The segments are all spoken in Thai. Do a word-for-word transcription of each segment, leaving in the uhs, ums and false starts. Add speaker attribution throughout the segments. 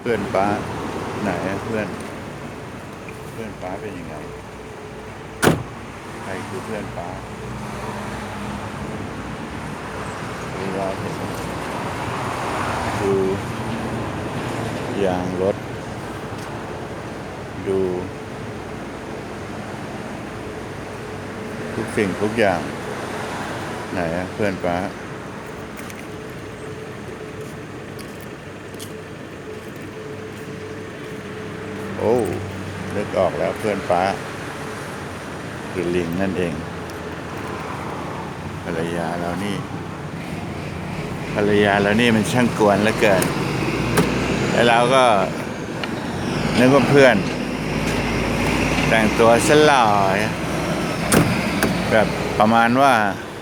Speaker 1: เพื่อนป้าไหนเพื่อนเพื่อนป้าเป็นยังไงใครคือเพื่อนป้าเวลาเห็นดูยางรถดูทุกสิ่งทุกอย่างไหนเพื่อนป้าโอ้นึกออกแล้วเพื่อนป้าคือลิงนั่นเองภรรยาเรานี่ภรรยาเรานี่มันช่างกวนเหลือเกินแล้วเราก็นึกว่าเพื่อนแต่งตัวสลอยแบบประมาณว่า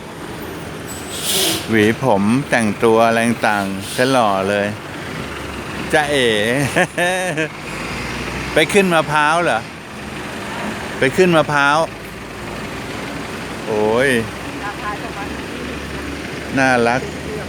Speaker 1: หวีผมแต่งตัวอะไรต่างๆสล่อเลยจ้าเอ๋ ไปขึ้นมะพร้าวเหรอไปขึ้นมะพร้าวโอ้ยน่ารัก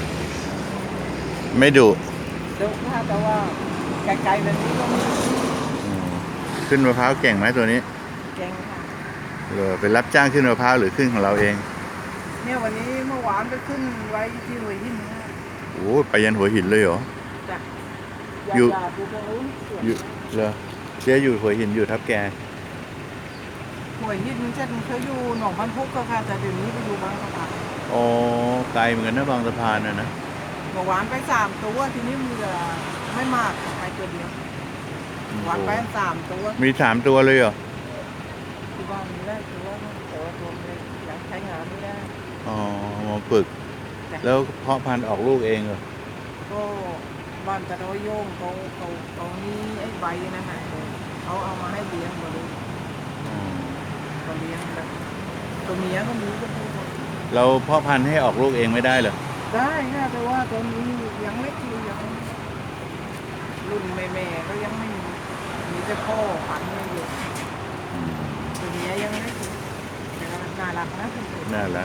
Speaker 1: ไม่ดุ
Speaker 2: ดุค่ะแต่ว่าไกลๆแบบนี้ก็มี
Speaker 1: ขึ้นมะพร้าวเก่งไหมตัวนี้
Speaker 2: เก่งค่ะ
Speaker 1: เออไปรับจ้างขึ้นมะพร้าวหรือขึ้นของเราเอง
Speaker 2: เนี่ยวันนี้เมื่อวานไปขึ้นไว้ที่หัวหินนะ
Speaker 1: โอ้ไปยันหัวหินเลยเหรอ
Speaker 2: จ้ะ
Speaker 1: อยู่
Speaker 2: อยู่ตรงนู้น
Speaker 1: อยู่เหรอเจ๊อยู่หัวหินอยู่ทับแก
Speaker 2: หัวหินเช่นเคยอยู่หนองบันพุกก็ค่ะแต่เดี๋ยวนี้ไปอยู่บางสะพาน
Speaker 1: อ๋อไกลเหมือนกันนะบางสะพานน่ะนะ
Speaker 2: เมื่อวานไปสามตัวทีนี้มีไม่มากไปตัวเดียววานไปสามตัว
Speaker 1: มีสามตัวเลยเหรอ
Speaker 2: ที่บ้านมีได้ตัวแต่ว่าตัวเล็กยังใช้งานไม่ได้
Speaker 1: อ๋อมาฝึกแล้วเพาะพันธุ์ออกลูกเองเหรอ
Speaker 2: ก็บ้านตะโดยโยงเขาเขาเขานี้ไอ้ใบนะฮะเขาเอามาให้เลี้ยงมาดูเขาเลี้ยงแบบตัวเมียก็มีก็มี
Speaker 1: เราเพาะพันธุ์ให้ออกลูกเองไม่ได้เหรอ
Speaker 2: ได้ค่ะแต่ว่าตอนนี้ยังเล็กอยู่ยังรุ่นแม่ๆก็ยังไม่มีมีแต่พ่อพันธุ์ไม่อยู่ตัวเมียยังเล็กอยู่แต่ก็น่ารักนะคุณ
Speaker 1: น่ารัก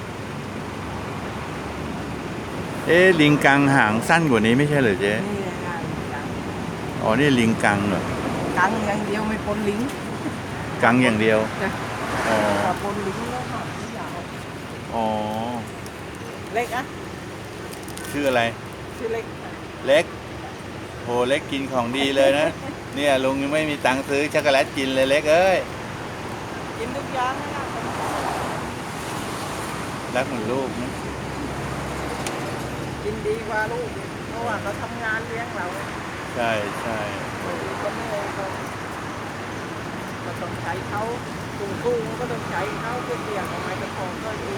Speaker 1: เอ๊ะลิงกังหางสั้นกว่านี้ไม่ใช่เหรอเจ๊
Speaker 2: นี่งานกัง
Speaker 1: อ๋อนี่ลิงกังเหรอ
Speaker 2: กังอย่างเดียวไม่ปนลิง
Speaker 1: กังอย่างเดียว
Speaker 2: อ๋อปนลิงแล้วค่ะยาว
Speaker 1: อ๋อ
Speaker 2: เล็กอะ
Speaker 1: ชื่ออะไร
Speaker 2: ชื่อเล็ก
Speaker 1: เล็กโหเล็กกินของดีเลยนะเนี่ยลุงยังไม่มีตังค์ซื้อช็อกโกแลตกินเลยเล็กเอ้ย
Speaker 2: กินทุกอย่างนะ
Speaker 1: รักเหมือนลูกนะ
Speaker 2: กินดีกว่าลูกเพราะว่าเขาทำงานเลี้ยงเรา
Speaker 1: ใช่ใช่
Speaker 2: ก็ไม่เลยก็ก็ต้องใช้เขาตุ้งตุ้งก็ต้องใช้เขาเพื่อเลี้ยงเอาไว้จะพอก็ดี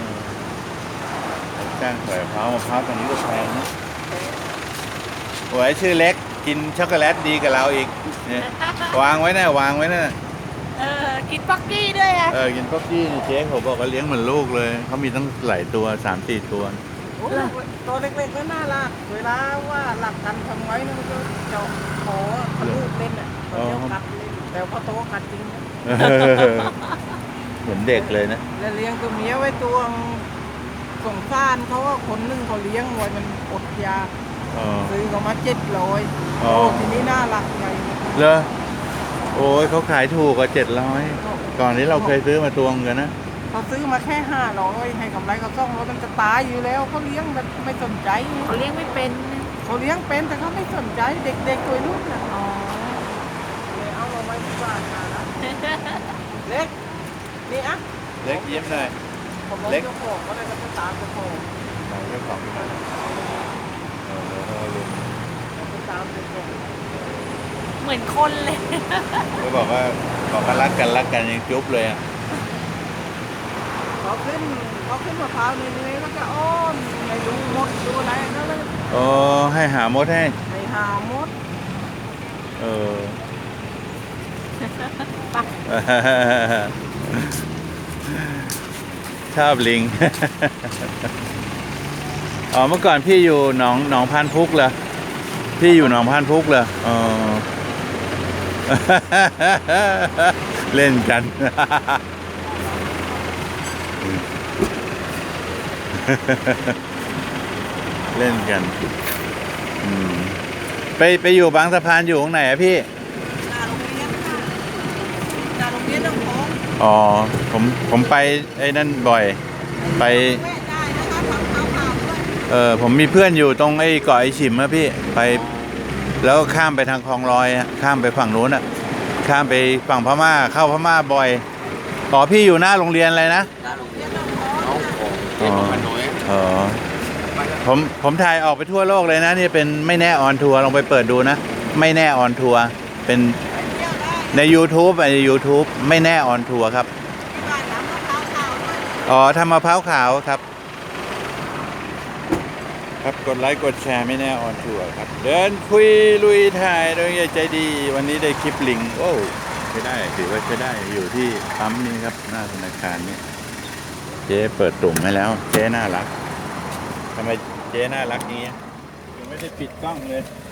Speaker 1: จ้างใส่มะพร้าวมะพร้าวตอนนี้ก็แพงนะโอ้ยชื่อเล็กกินช็อกโกแลตดีกับเราอีกเนี่ยวางไว้นะวางไว้นะ
Speaker 2: เออกินป๊อกกี้ด้วยอ่ะ
Speaker 1: เออกินป๊อกกี้นี่เจ๊เขาบอกว่าเลี้ยงเหมือนลูกเลยเขามีตั้งหลายตัวสามสี่ตัว
Speaker 2: ตัวเล็กๆก็น่ารักเวลาว่าหลักกันทำไว้นะมันก็จะขอทะลุเล่นอ่ะตอนเดียวกัดเล่นแต่พอโตกัดจริง
Speaker 1: เหมือนเด็กเลยนะ
Speaker 2: แล้วเลี้ยงตัวเมียไว้ตัวสงสารเขาว่าคนนึงเขาเลี้ยงไว้มันอดยาซื้อเขามาเจ็ดร้อยโอ้ทีนี้น่ารักไง
Speaker 1: เหรอโอ้ยเขาขายถูกกว่าเจ็ดร้อยก่อนนี้เราเคยซื้อมาตัวเงินนะ
Speaker 2: เขาซื้อมาแค่ห้าร้อยให้กำไรเขาซ่องแล้วมันจะตายอยู่แล้วเขาเลี้ยงแบบไม่สนใจ
Speaker 3: เขาเลี้ยงไม่เป็น
Speaker 2: เขาเลี้ยงเป็นแต่เขาไม่สนใจเด็กๆตัวรุ่นน่ะอ๋อเลยเอาเราไว้ที่บ้านมานะเล็กนี่อ่ะ
Speaker 1: เล็กยิ้มหน่อย
Speaker 2: เล็กเจ้าของก็ได้ก็ตามเจ้าของ
Speaker 1: เจ้าของเออเออลุง
Speaker 2: ตามเจ้าของ
Speaker 3: เหมือนคนเลย
Speaker 1: เขาบอกว่าบอกว่ารักกันรักกันยังจุ๊บเลยอ่ะ
Speaker 2: เขาขึ้นเขาขึ้นมะพร้าวนี่เลยแล้วก็อ้อมไม่ดูมดดูอะไรนั่นเลย
Speaker 1: โอ้ให้หามดให้
Speaker 2: ให้หามด
Speaker 1: เออชอบลิงอ๋อเมื่อก่อนพี่อยู่หนองหนองพานพุกเหรอพี่อยู่หนองพานพุกเหรออ๋อเล่นกันเล่นกันไปไปไปอยู่บางสะพานอยู่ตรงไหนอะพี่
Speaker 2: หน้าโรงเรียนค่ะหน้าโรงเรียนต้องของ
Speaker 1: อ๋อผมผมไปไอ้นั่นบ่อย ไป
Speaker 2: แม่ได้นะคะทำข้าวขาด้วย
Speaker 1: เออผมมีเพื่อนอยู่ตรงไอ้เกาะไอ้ฉิมอะพี่ไป แล้วข้ามไปทางคลองลอยอะข้ามไปฝั่งนู้นอะข้ามไปฝั่งพม่าเข้าพม่าบ่อยอ๋อพี่อยู่หน้าโรงเรียนอะไรนะ
Speaker 2: หน้าโรงเรียนต้องของ
Speaker 1: อ๋ออ๋อผมผมถ่ายออกไปทั่วโลกเลยนะนี่เป็นไม่แน่ออนทัวร์ลองไปเปิดดูนะ ไม่แน่ออนทัวร์เป็น
Speaker 2: ไปเที่ยวได้
Speaker 1: ใน YouTube ใน YouTube ไม่แน่ออนทัวร์ครับ
Speaker 2: ที่บ้านทำมะพร้าวขาวด้วย
Speaker 1: อ๋อทำมะพร้าวขาวครับ ครับกดไลค์กดแชร์ไม่แน่ออนทัวร์ครับ เดินคุยลุยถ่ายโดยใจดี วันนี้ได้คลิปลิงโอ้ใช้ได้ถือว่าใช้ได้อยู่ที่ปั๊มนี้ครับหน้าธนาคารนี้เจ๊เปิดตุ่มให้แล้ว เจ๊น่ารักทำไมเจ๊น่ารักอย่างเงี้ยยังไม่ได้ปิดกล้องเลย